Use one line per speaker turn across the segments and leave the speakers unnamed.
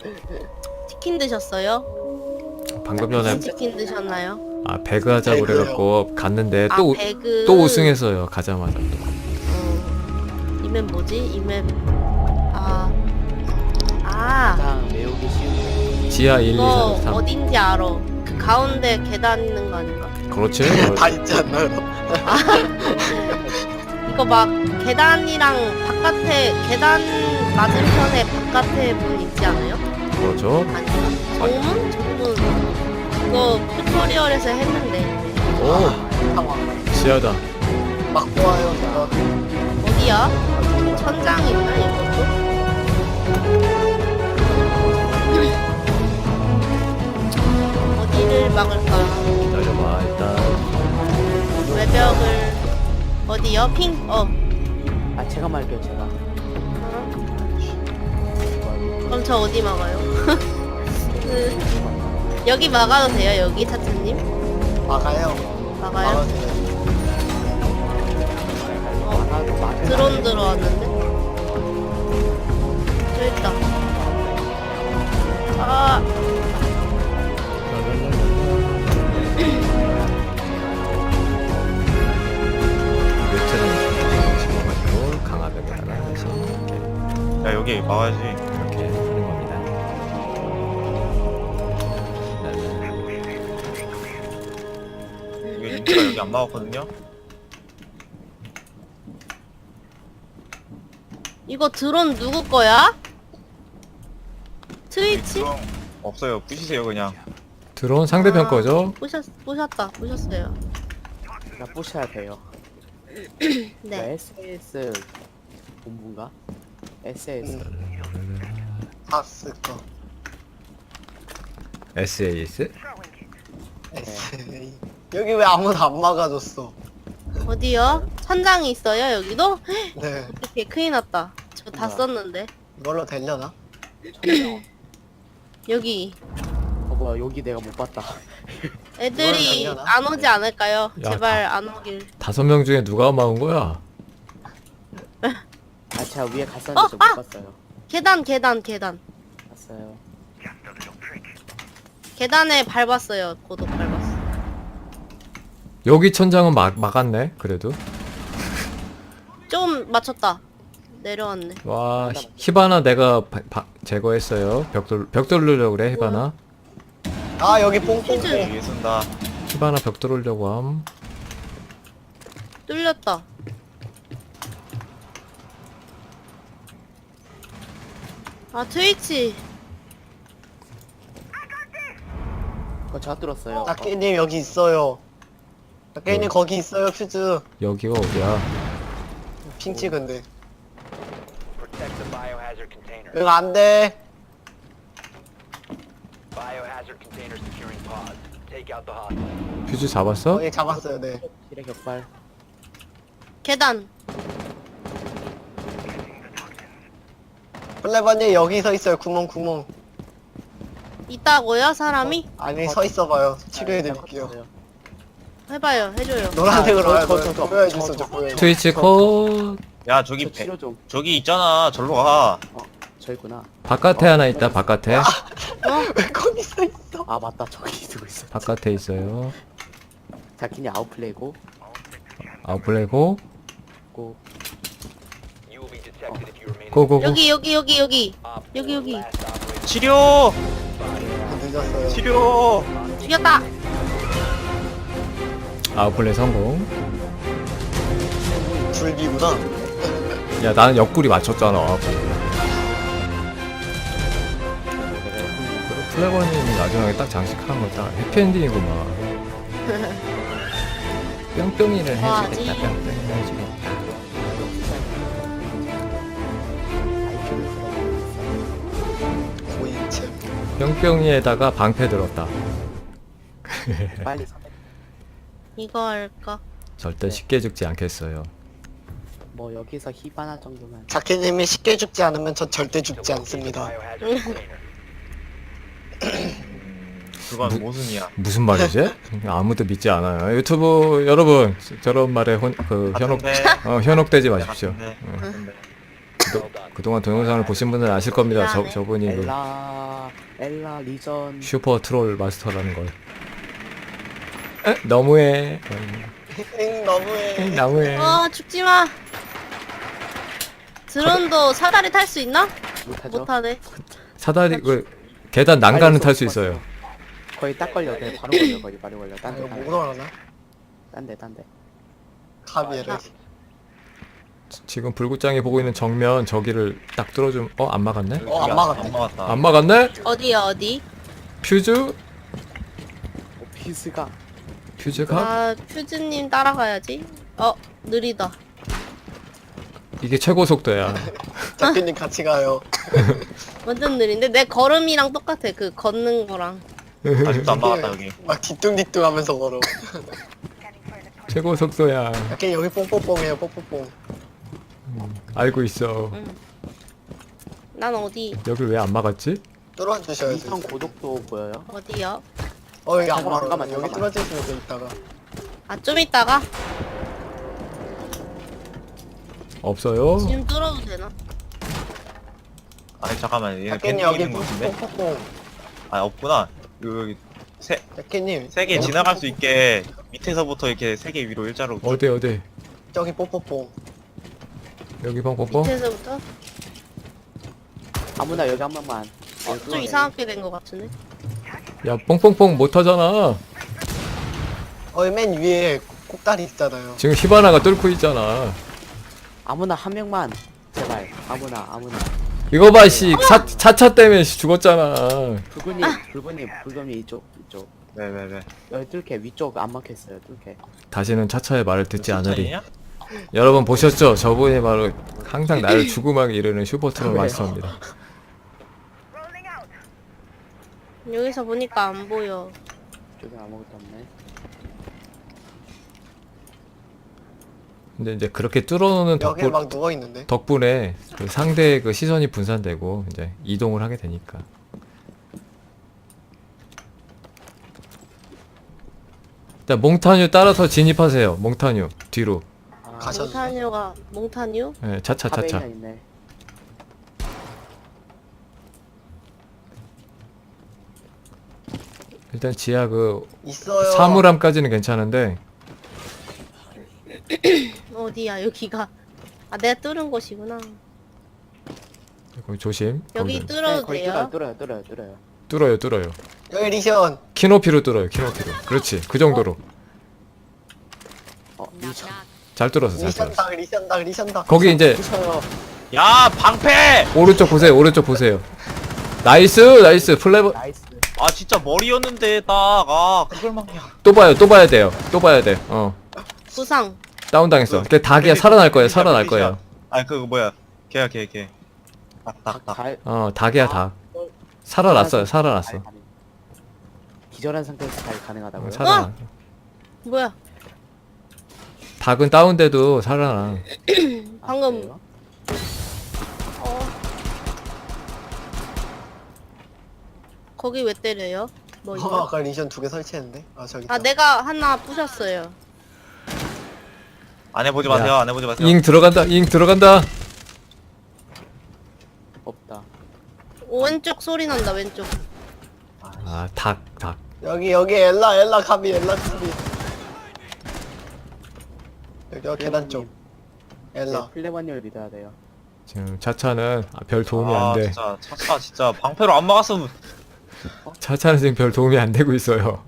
치킨 드셨어요?
방금 전에
무슨 치킨 드셨나요?
배그 하자고
배그요.
그래갖고 갔는데
아,
또
배그.
또 우승했어요. 가자마자 또.
이맵 뭐지? 이맵
가장 외우기 쉬운
지하 1, 2,
이거
3, 3.
어딘지 알아. 그 가운데 계단 있는 거 아닌가?
그렇지.
다 있지 않나요?
이거 막 계단이랑 바깥에 계단 맞은편에 바깥에 문 있지 않아요?
그렇죠.
아닌가? 정문? 정문. 이거 튜토리얼에서 했는데
오,
상황.
지하다.
막 보아요, 제가.
어디야? 천장 있나 이것도? 어디를 막을까?
기다려봐 일단.
외벽을 어디요? 핑?
아 제가 말게요 제가
그럼 저 어디 막아요? 여기 막아도 돼요? 여기 차트님?
막아요.
막아요?
막아주세요.
하나도 맞을
드론 들어왔는데? 저 있다. 아,
묘체랑 집어가지고 강화벽에 하나 해서 이렇게
야 여기 막아야지.
하는 겁니다.
이거 인기가 여기 안 막았거든요.
이거 드론 누구 거야? 트위치?
그럼 없어요. 부시세요 그냥.
드론 상대편 거죠?
부셨어요.
제가 부셔야 돼요
네.
SAS 본부인가? SAS
아스 거.
SAS?
에세이. 여기 왜 아무도 안 막아줬어?
어디요? 천장이 있어요, 여기도?
네.
이렇게 큰일 났다. 저 다
뭐야?
썼는데.
이걸로 되려나?
여기.
뭐야 여기 내가 못 봤다
애들이
이걸
안 오지 않을까요?
야,
제발 안 오길.
5명 중에 누가 막은 거야?
아 제가 위에 갔었는데 저 못 봤어요
계단.
봤어요
계단에 밟았어요. 고도 밟았어.
여기 천장은 막았네. 그래도
좀 맞췄다. 내려왔네.
와 히바나 내가 제거했어요. 벽 돌리려고 그래 히바나.
아, 여기 뽕뽕뽕.
퀴즈.
위에 쓴다.
히바나 벽 돌리려고 함.
뚫렸다. 아, 트위치.
그거 제가 뚫었어요
닭개님 여기 있어요. 닭개님 거기 있어요, 퓨즈.
여기가 어디야?
핑 찍은데.
Protect the biohazard container.
응, 안 돼.
Biohazard container securing pods. Take out the hostage.
퓨즈 잡았어?
거기 잡았어요, 네.
길의 격발
계단.
플레버님 여기 서 있어요, 구멍.
있다고요? 사람이?
아니, 서 있어봐요.
제가
치료해드릴게요.
컸어요.
해봐요. 해줘요.
노란색으로
아,
와요.
저,
보여주세요, 저 보여요.
트위치 컷.
야 저기
저 치료 좀
저기 있잖아. 절로 가.
저 있구나
바깥에 하나 있다. 바깥에.
왜 거기 서 있어?
아 맞다 저기 쓰고 있어
바깥에 있어요.
자키니 아웃플레이고
아웃플레이고.
고
You will be detected if you remain.
고고고.
여기.
Op
여기.
4 last operator
치료.
늦었어요.
치료.
죽였다.
아웃플레이 성공.
줄기구나.
야 나는 옆구리 맞췄잖아. 플레버님이 마지막에 딱 장식한 거 딱 해피엔딩이구만. 뿅뿅이를
와,
해주겠다. 뿅뿅이를 해주겠다.
IQ를 들어보고
고인체.
뿅뿅이에다가 방패 들었다.
있어 빨리 선택
이거 할까?
절대 쉽게 죽지 않겠어요.
뭐 여기서 히바나 정도면
자켓님이 쉽게 죽지 않으면 전 절대
to
죽지
locate the
않습니다.
biohazard container.
그건 모순이야.
무슨 말이지? 아무도 믿지 않아요. 유튜브 여러분 저런 말에 현혹되지 마십시오.
같은데.
그동안 동영상을 보신 분들은 아실 겁니다. 저분이 그
엘라 리전.
슈퍼 트롤 마스터라는 걸. 에? 너무해.
엥 너무해.
너무해.
죽지 마. 드론도 사다리 탈 수 있나?
못하죠?
못하네.
사다리 그 계단 난간은 탈 수 있어요.
거의 딱 걸려. 그냥 바로 걸려. 거의 바로 걸려.
아, 이거 못 올라가나?
딴데.
가비에를.
지금 불구짱이 보고 있는 정면 저기를 딱 뚫어주면 안 막았네?
안 막았네.
안 막았다.
안 막았네?
어디야 어디?
퓨즈?
피스가
퓨즈가?
아 퓨즈님 따라가야지. 느리다.
이게 최고 속도야.
작가님 같이 가요.
완전 느린데 내 걸음이랑 똑같아. 그 걷는 거랑.
아직도 안 막았다 여기.
막 뒤뚱뒤뚱 하면서 걸어.
최고 속도야.
작가님 여기 뽕뽕뽕해요 뽕뽕뽕.
알고 있어.
난 어디?
여길 왜 안 막았지?
뚫어주셔야지.
이성 고독도 보여요?
어디요?
여기 안
잠깐만,
막아. 여기
잠깐만.
뚫어주시면 돼 이따가.
아 좀 있다가
없어요.
지금 뚫어도 되나?
아니 잠깐만 얘네
작가님
밴드
여기
있는 거 같은데?
뽕뽕뽕.
아 없구나. 여기
작가님.
세 개 지나갈 수 있게 밑에서부터 이렇게 세 개 위로 일자로.
어디?
저기 뽕뽕뽕.
여기 뻥뻥뻥?
밑에서부터?
아무나 여기 한 번만.
좀 이상하게 된 것 같은데?
야 뻥뻥뻥 못하잖아.
맨 위에 꼭다리 있잖아요.
지금 히바나가 뚫고 있잖아.
아무나 한 명만 제발. 아무나.
이거 봐 씨. 차차 때문에 죽었잖아.
불군님 이쪽.
네네네.
여기 뚫게 위쪽 안 막혔어요. 뚫게.
다시는 차차의 말을 듣지 않으리.
칭찬이냐?
여러분 보셨죠? 저분이 바로 항상 나를 죽음하게 이르는 슈퍼트롤 마스터입니다.
여기서 보니까 안 보여.
쪽에 아무것도 없네.
근데 이제 그렇게 뚫어놓는
여기 막 누워 있는데.
덕분에 그 상대의 그 시선이 분산되고 이제 이동을 하게 되니까. 자 몽타뉴 따라서 진입하세요. 몽타뉴 뒤로.
가셔도 돼.
몽타뉴?
네, 차차.
카베이나 있네.
일단 지하 그
있어요.
사물함까지는 괜찮은데
어디야 여기가? 아 내가 뚫은 곳이구나.
거기 조심.
여기
거기
뚫어도
거의
돼요?
뚫어요.
여기 리션.
키높이로 뚫어요. 키높이로. 그렇지. 그 정도로.
리전.
잘 뚫었어. 잘 뚫었어.
리션당.
거기 이제
부셔요.
야 방패!
오른쪽 보세요. 나이스 플레버.
나이스.
아 진짜 머리였는데 딱 그걸 막냐.
또 봐야 돼요.
부상.
다운당했어. 근데 닭이야. 살아날 거야.
아니 그거 뭐야? 걔야 걔. 딱.
갈.
닭이야 닭. 살아났어.
기절한 상태에서 잘 가능하다고요?
살아나.
뭐야?
닭은 다운돼도 살아나.
방금
그래요?
거기 왜 때려요? 뭐 이거?
아까 리션 2개 설치했는데. 저기.
아
있다.
내가 하나 부셨어요.
안 해보지
야.
마세요. 안 해보지 마세요.
잉 들어간다.
없다.
왼쪽 소리 난다 왼쪽.
아 닭.
여기 엘라 가비. 여기 계단 쪽. 엘라.
플레버님을 믿어야 돼요.
지금 차차는 별 도움이 안 돼.
진짜 차차 진짜 방패로 안 막았으면.
차차는 지금 별 도움이 안 되고 있어요.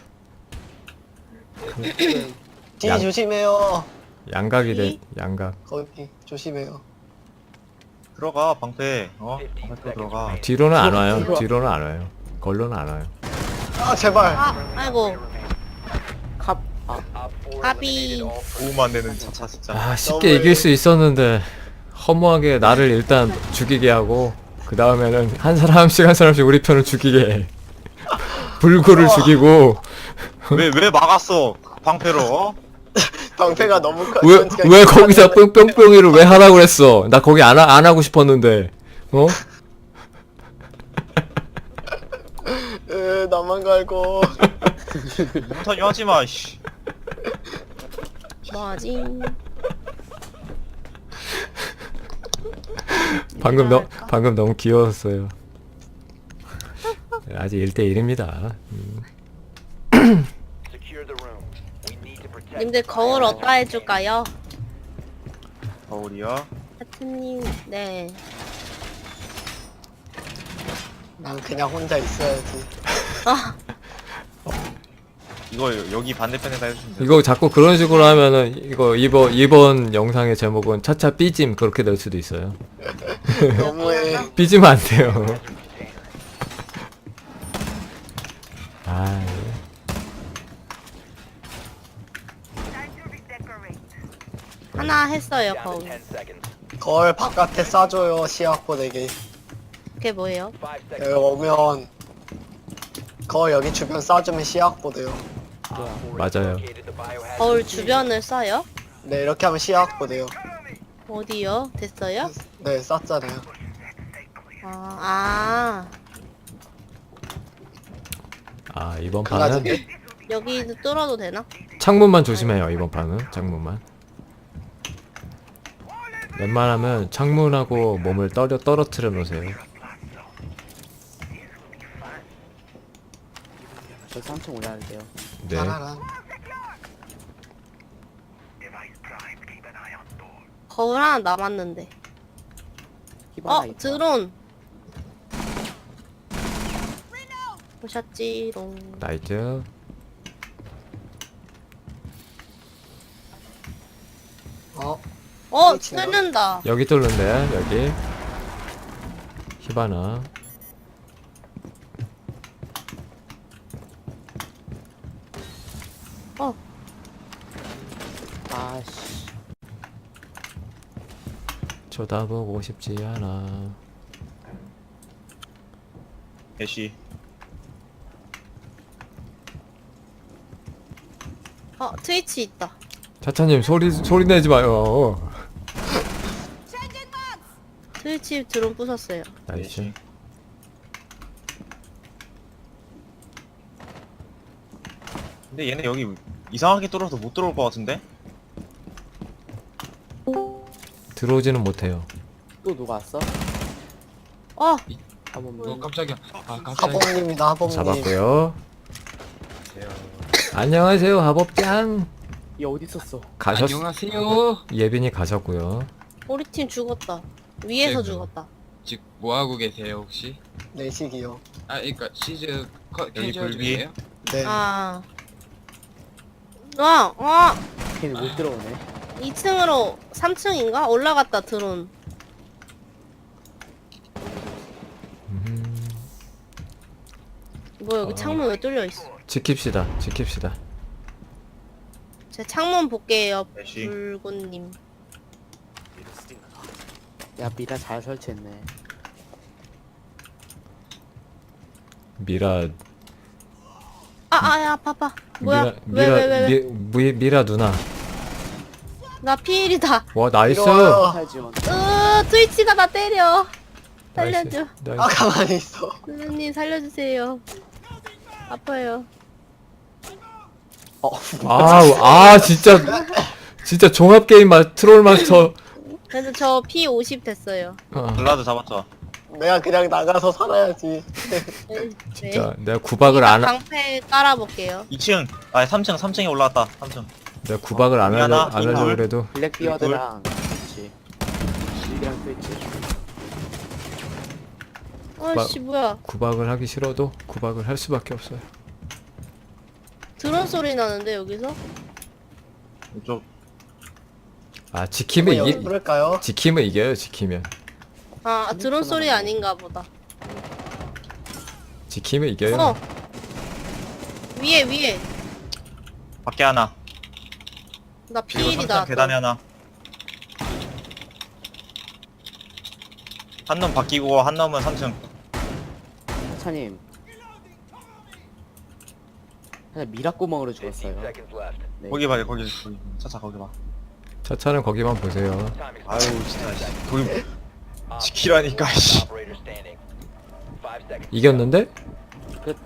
뒤
양.
조심해요.
양각이 돼. 양각.
거기 조심해요.
들어가 방패. 방패 들어가.
뒤로는 안 와요. 걸로는 안 와요.
제발.
아이고
컵.
가비.
도움 안 되는 차차 진짜.
아 쉽게 이길 수 있었는데 허무하게 나를 일단 죽이게 하고 그 다음에는 한 사람씩 우리 편을 죽이게 해. 불구를 죽이고
왜 막았어 방패로?
방패가 너무 커.
왜 거기서 뿅뿅이를 왜 하라고 그랬어? 나 거기 안 하고 싶었는데
나만 갈고.
몽타뉴 하지마 씨.
뭐하지?
방금 너무 귀여웠어요. 아직 1대1입니다.
Secure the room. We need to protect.
님들 거울 어디다 해줄까요?
거울이요.
하트님, 네.
난 그냥 혼자 있어야지.
아,
이거 여기 반대편에다 해주시면 돼요.
이거 자꾸 그런 식으로 하면은 이거 이번 영상의 제목은 차차 삐짐 그렇게 될 수도 있어요.
너무해.
삐지면 안 돼요. 아,
하나 했어요,
Down to
거울.
10 seconds.
거울 바깥에 쏴줘요, 시약 보내기.
그게 뭐예요?
5
여기
seconds.
오면 거울 여기 주변 쏴주면 시약 보내요.
맞아요.
Located the biohazard
거울 주변을 써요?
네, 이렇게 하면 시약 보내요.
어디요? 됐어요?
네, 쐈잖아요.
이번 판은
그가지고
여기도 뚫어도 되나?
창문만 조심해요. 이번 판은 창문만. 웬만하면 창문하고 몸을 떨어뜨려 놓으세요.
저 3층 올라야 돼요.
네.
따라란.
거울 하나 남았는데.
히바나 있다.
드론. 오셨지롱.
나이트.
그렇지요.
뚫는다.
여기 뚫는데 여기. 히바나.
아씨.
쳐다보고 싶지 않아.
애쉬.
트위치 있다.
차차님 소리 내지 마요.
트위치 드론 부쉈어요.
나이스.
애쉬. 근데 얘네 여기 이상하게 뚫어서 못 들어올 것 같은데?
들어오지는 못해요.
또 누가 왔어? 한번
깜짝이야.
하범님이다, 하범님.
잡았고요. 안녕하세요, 하법장.
얘 어디 있었어?
안녕하세요.
예빈이 가셨고요.
우리 팀 죽었다. 위에서
아이고.
죽었다.
지금 뭐 하고 계세요 혹시?
내식이요.
그러니까 시즈
여기
캐주얼
불비.
중이에요?
네.
걔는 못 들어오네.
2층으로 3층인가? 올라갔다 드론. 뭐 여기 창문 왜 뚫려 있어?
지킵시다.
제 창문 볼게요.
애쉬.
불꽃님.
야 미라 잘 설치했네.
미라
야, 봐봐. 뭐야? 왜?
미라 누나.
나 피일이다.
와, 나이스.
이리와요.
탈 지원.
트위치가 나 때려. 살려줘.
나이스.
아, 가만히 있어.
선생님 살려주세요. 아파요.
진짜 종합 게임 트롤 마스터.
그래서 저 P50 됐어요.
블라드 잡았죠?
내가 그냥 나가서 살아야지.
네.
진짜 내가 구박을 안
방패 깔아볼게요.
2층. 3층에 올라왔다. 3층.
내가 구박을 안
미안하,
하려고
둘.
그래도
블랙비어드랑 스위치. 실비랑 스위치.
씨 뭐야?
구박을 하기 싫어도 구박을 할 수밖에 없어요.
드론 소리 나는데 여기서?
이쪽.
지키면
여기 부를까요?
지키면 이겨요. 지키면
드론 소리 아닌가 보다.
지키면 이겨요.
위에.
밖에 하나.
나
그리고
피일이다.
3층 계단에 하나. 한 놈 바뀌고 한 놈은 3층.
차님. 그냥 미라구멍으로
15
죽었어요.
seconds left.
네.
거기 봐, 거기. 차차 거기 봐.
차차는 거기만 보세요.
Time is
아유, 진짜. 씨. 거기
Op
지키라니까, 씨.
operator standing. 5 seconds.
이겼는데?
끝.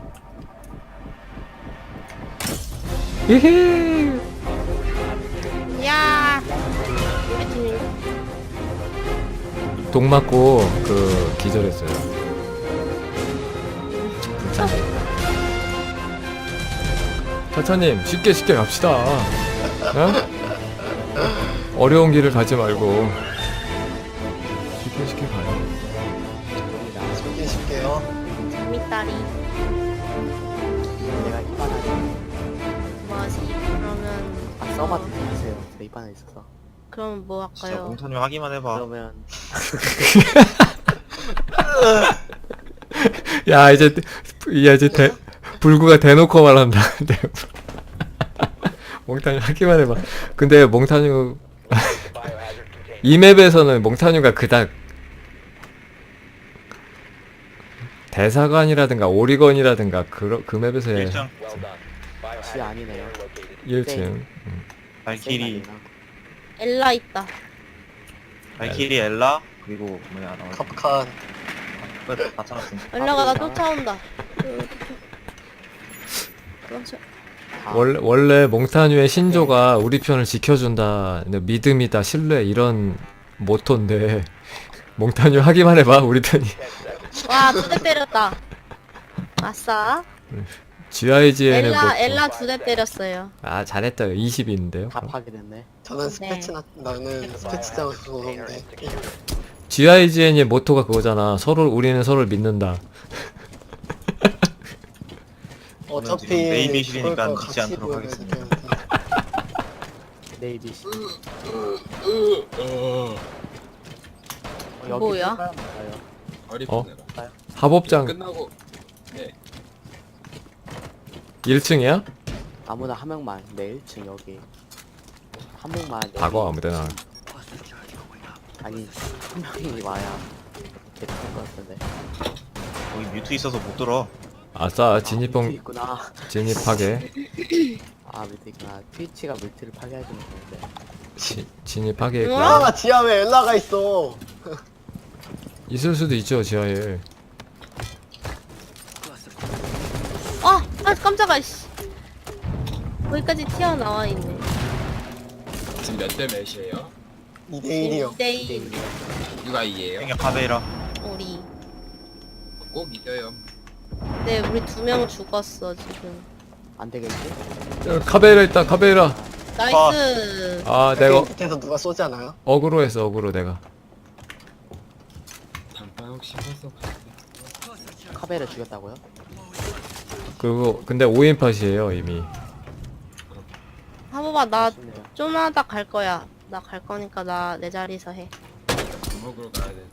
히히.
야. 우리 팀.
독 맞고 그 기절했어요. 차차님 쉽게 갑시다. 어? 어려운 길을 가지 말고 쉽게 가요.
쉽게 쉽게요.
재밌다리.
내가 입안하지.
뭐하지? 그러면
아 써봐도 되세요. 제가 입안에 있어서.
그럼 뭐
진짜
할까요?
몽타님 하기만 해봐.
그러면
야 이제 불구가 대놓고 말한다. 몽타뉴 하기만 해봐. 근데 몽타뉴
Biohazard container.
이 맵에서는 몽타뉴가 그닥 대사관이라든가 오리건이라든가 그 맵에서의
1층
Well done. Biohazard
아니네요.
container located.
1층
발키리
엘라 있다.
발키리 엘라 그리고 뭐냐 나
캅칸.
끝다 찾았음.
엘라가 나 쫓아온다. 그렇죠.
원래 몽타뉴의 신조가 우리 편을 지켜준다, 믿음이다, 신뢰 이런 모토인데 몽타뉴 하기만 해봐 우리 편이.
와, 2대 때렸다. 아싸.
GIGN의
엘라 2대 때렸어요.
아 잘했다. 20인데요.
다 파괴됐네.
저는 나는 스패치장에서
Container
오는데.
is secure.
GIGN의 모토가 그거잖아. 우리는 서로를 믿는다.
어차피
지금 네이비실이니까
그걸
믿지
같이
않도록
보여야
하겠습니다.
되는데.
네이비 씨.
뭐야?
어리버네라.
합업장
끝나고
1층이야?
아무나 한 명만. 네 1층 여기. 한 명만. 여기.
박어 아무데나.
아니 한 명이 와야 괜찮을 것 같은데.
거기 뮤트 있어서 못 들어.
아싸
밑에
진입봉
있구나.
진입하게.
아 밑에 있구나. 트위치가 물트를 파괴해주면 되는데.
진입하게
우와.
아 지하에 엘라가 있어.
있을 수도 있죠 지하에.
아, 깜짝아, 씨. 거기까지 튀어나와 있네.
지금 몇 대 몇이에요?
2대1이요.
2대2.
누가 이게요?
그냥 카베이라.
우리.
꼭 이겨요.
네, 우리 2명 죽었어, 지금.
안 되겠지?
카베이라 있다 카베이라.
나이스.
아 내가
밑에서 누가 쏘지 않아요?
어그로했어 어그로 내가.
단판 혹시 벌써
카베를 죽였다고요?
그리고 근데 5인 팟이에요 이미.
하보바, 나
아쉽네요.
좀 하다 갈 거야. 나 갈 거니까 내 자리에서 해.
먹으러 가야 돼.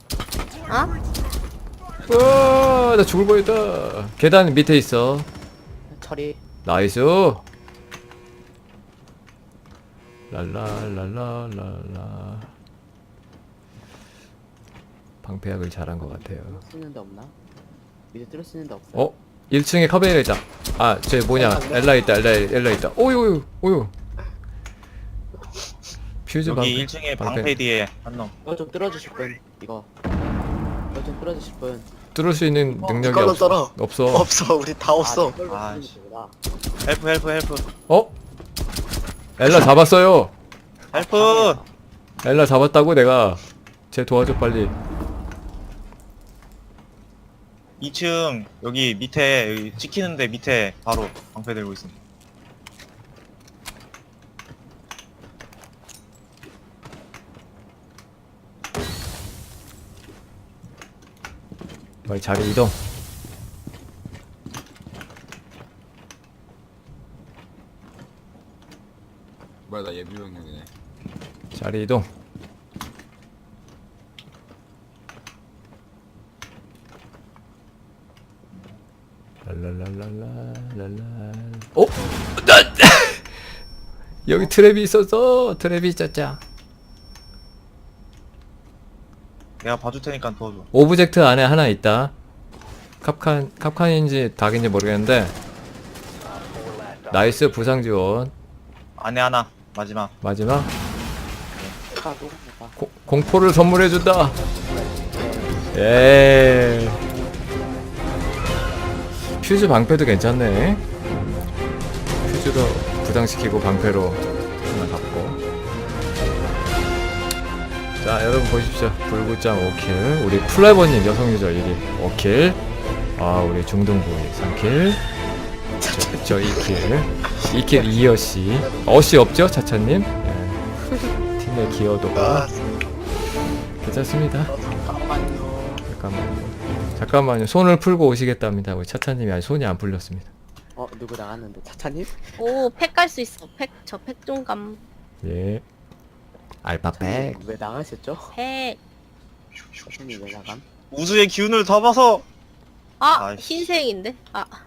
어?
와, 나 죽을 뻔했다. 계단 밑에 있어.
처리.
나이스. 랄라랄라랄라. 방패약을 잘한 것 같아요.
수 있는 데 없나? 밑에 뚫을 수 있는 데 없어요?
어? 1층에 카베이라 있다. 아, 쟤 뭐냐? 엘라 있다. 엘라 있다. 오유. 퓨즈
여기 1층에 방패 뒤에 한 놈.
이거 좀 뚫어주실 분. 이거 좀 뚫어주실 분.
뚫을 수 있는 능력이
이걸로 떨어.
없어.
없어 우리 다 없어.
이걸로
아,
뚫는
씨.
거구나.
헬프.
어? 엘라 잡았어요.
헬프.
엘라 잡았다고 내가. 쟤 도와줘 빨리.
2층 여기 밑에 여기 찍히는데 밑에 바로 방패 들고 있습니다.
빨리 자리 이동.
뭐야 나 예비병력이네.
자리 이동. 랄랄랄랄랄랄. 어? 여기 트랩이 있었어. 트랩이 있었자.
내가 봐줄 테니까 도와줘.
오브젝트 안에 하나 있다. 캅칸인지 닭인지 모르겠는데. 나이스 부상 지원.
안에 하나 마지막.
마지막
카도 해봐.
공포를 선물해 준다. 예. 퓨즈 방패도 괜찮네. 퓨즈도 부상시키고 방패로 하나 갖고. 자 자 여러분 보십시오. 불구짱 5킬, 우리 플라이버님 여성 유저 1위 5킬, 아 우리 중등부이 3킬, 저 2킬 이어씨. 어씨 없죠 차차님? 예. 팀의 기여도가 괜찮습니다. 잠깐만요. 손을 풀고 오시겠답니다. 우리 차차님이 아직 손이 안 풀렸습니다.
누구 나갔는데 차차님?
오, 팩 갈 수 있어. 저 팩 좀 감.
예. 알파팩.
왜 나가셨죠?
팩.
차차님 왜 나감?
우주의 기운을 담아서
아,
아이씨.
흰색인데? 아,